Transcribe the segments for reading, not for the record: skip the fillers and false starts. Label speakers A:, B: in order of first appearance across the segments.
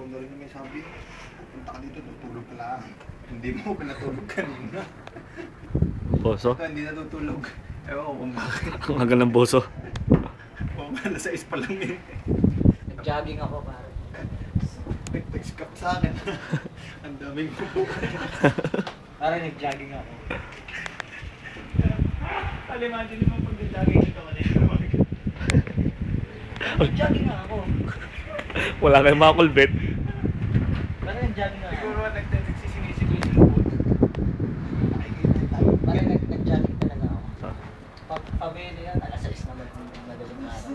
A: na rin may sabi, punta ka dito, tutulog ka lang. Hindi mo pinatulog kanina.
B: Boso?
A: Ito, hindi natutulog. Ewan ko kung bakit.
B: Ang hagal ng boso.
A: Oo nga, nasa is pa lang eh.
C: Nag-jogging ako pare.
A: Text ka sa akin. Ang daming bubo.
C: Pare nag-jogging ako.
A: Imagine mo pag nag-jogging ito kanina.
C: Nag-jogging ako.
B: Wala kayong makulbit.
C: Pare nag-jogging ako.
A: Siguro nagsisinisip yung lubot.
C: Pare nag-jogging talaga ako. Pabili yan, alas 6 naman kung madaling araw.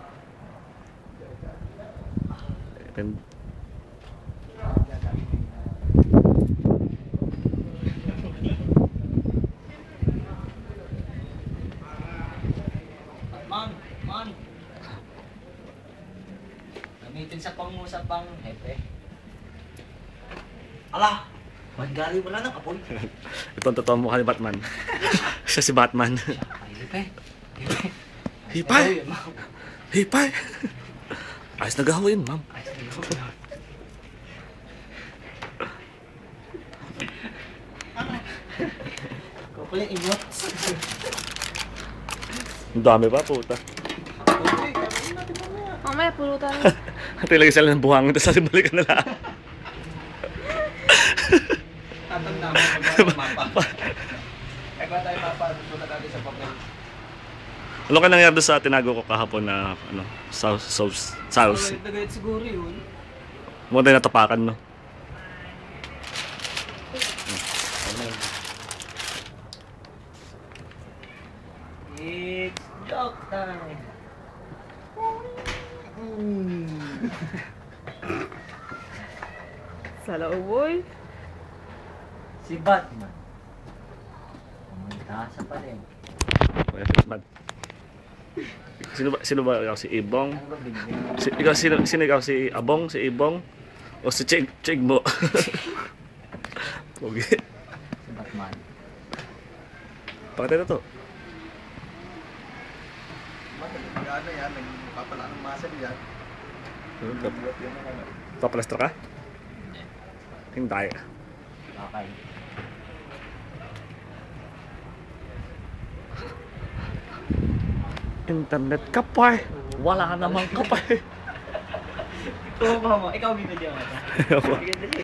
C: Man! Gamitin sa pangusap ang hepe. Ala! Mandali wala nang apoy.
B: Ito ang totoo mukha ni Batman. Siya si Batman.
C: Ay, hepe.
B: Hipay! Hipay! Ayos na gawin, ma'am.
C: Kukuling ingot.
B: Ang dami pa, puta.
D: Mamaya, pulutan.
B: Tilagay sila ng buhangin, tapos balikan na lang.
A: Tatanda mo pag mapa. Eh kung tayo mapa, sulat natin sa papel.
B: Ano ka nangyari doon sa tinago ko kahapon na ano, sauce?
C: Nagayat siguro yun.
B: Muna tayo natapakan, no?
C: It's joke time.
D: Sa lauboy.
C: Si Batman. Pumunta sa palengke.
B: Batman. Sino ba ikaw? Si Ibong?
C: Ano ba bigyan?
B: Sino ikaw? Si Abong? Si Ibong? O si Chigmo? Pogi.
C: Si Batman.
B: Pakita na to.
A: Ano yan, nagpapala ng muscle yan. Buhat yan ang ano.
B: Papalestra ka? Hindi.
C: Okay.
B: Internet ka pa eh. Wala namang ka pa eh.
C: Ikaw, mama. Ikaw binigyan mo.
B: Ako.